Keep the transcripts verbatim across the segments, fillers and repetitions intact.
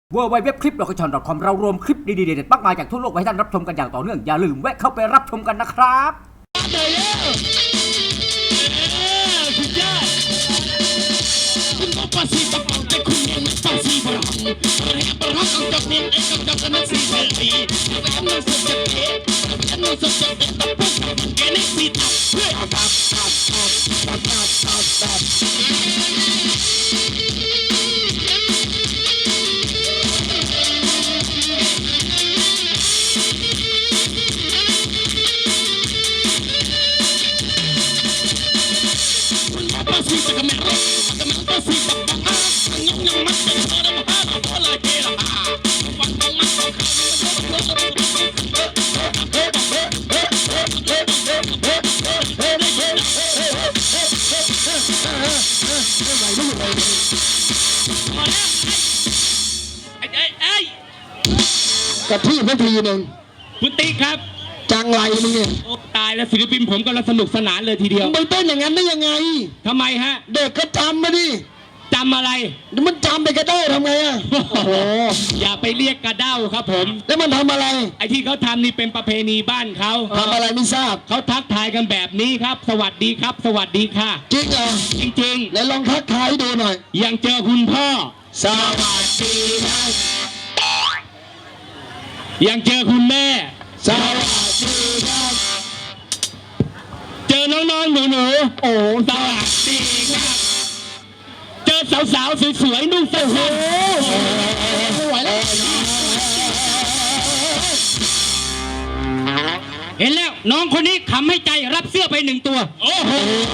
ดับเบิลยู ดับเบิลยู ดับเบิลยู ดอท คลิป ดอท คอม ดอท คอม เรารวมคลิปดีๆเด็ดๆมากมายจากทั่วโลกไว้ให้ท่านรับชมกันอย่างต่อเนื่องอย่าลืมแวะเข้าไปรับชมกันนะครับกระทืบนาทีหนึ่งคุณติ๊กครับจังไรมึงเนี่ยโอ้ตายแล้วศิลปินผมกำลังสนุกสนานเลยทีเดียวไม่เต้นอย่างนั้นได้ยังไงทำไมฮะเด็กก็จำมาดิจำอะไรมันจำไปกระเด้าทำไงอ่ะโอ้โหอย่าไปเรียกกระเด้าครับผมแล้วมันทำอะไรไอ้ที่เขาทำนี่เป็นประเพณีบ้านเขาทำอะไรไม่ทราบเขาทักทายกันแบบนี้ครับสวัสดีครับสวัสดีค่ะจริงเหรอจริงๆไหนลองทักทายดูหน่อยยังเจอคุณพ่อสวัสดีนะยังเจอคุณแม่สวัสดีครับเจอน้องๆหนูๆโอ้สวัสดีครับเจอสาวๆสวยๆนุ่งเสื้อผ้าไม่ไหวแล้วเห็นแล้วน้องคนนี้ขำให้ใจรับเสื้อไปหนึ่งตัวโอ้โห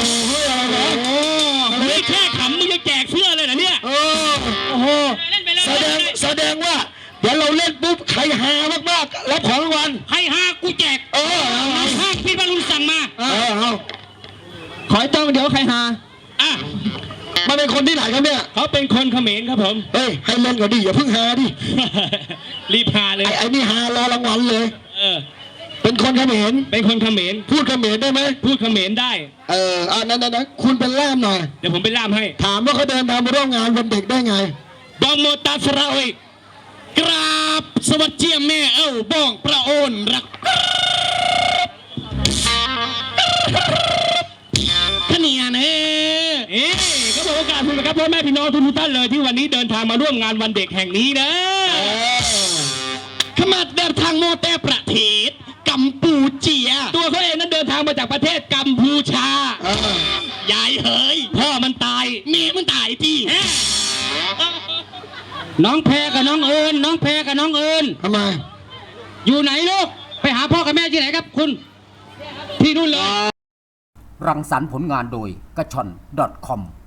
ไม่แค่ขำมึงจะแจกเสื้อเลยเหรอเนี่ยโอ้โหแสดงแสดงว่าเดี๋ยวเราเล่นปุ๊บใครหามากๆรับของรางวัลใครหากูแจกเออน้องห้างพี่บรรลุสั่งมาเออเอาขอจ้องเดี๋ยวใครหาอ่ะมันเป็นคนที่ไหนครับเนี่ยเขาเป็นคนเขมรครับผมเฮ้ยให้เล่นก่อนดิอย่าเพิ่งหาดิรีบหาเลยไอ้นี่หารอรางวัลเลยเออเป็นคนเขมรเป็นคนเขมรพูดเขมรได้ไหมพูดเขมรได้เอออ่านั่นนั่นคุณเป็นล่ามหน่อยเดี๋ยวผมไปล่ามให้ถามว่าเขาเดินทางมาร่วมงานวันเด็กได้ไงบองโมตาสระเอยกราบสวัสดีแม่เอ้าบ้องพระโอนรักขเนียนเอ๊ะก็บอกโอกาสคุณนะครับพ่อแม่พี่น้องทุกท่านเลยที่วันนี้เดินทางมาร่วมงานวันเด็กแห่งนี้นะขมาเดินทางโมเตประเทศกัมพูเจียตัวเขาเองนั้นเดินทางมาจากประเทศกัมพูชายายเฮ้ยพ่อมันตายเมียมันตายที่น้องแพรกับน้องเอิญน้องแพรกับน้องเอิญทำไมอยู่ไหนลูกไปหาพ่อกับแม่ที่ไหนครับคุณที่นู่นเลยรังสรรค์ผลงานโดยกระชอน ดอท คอม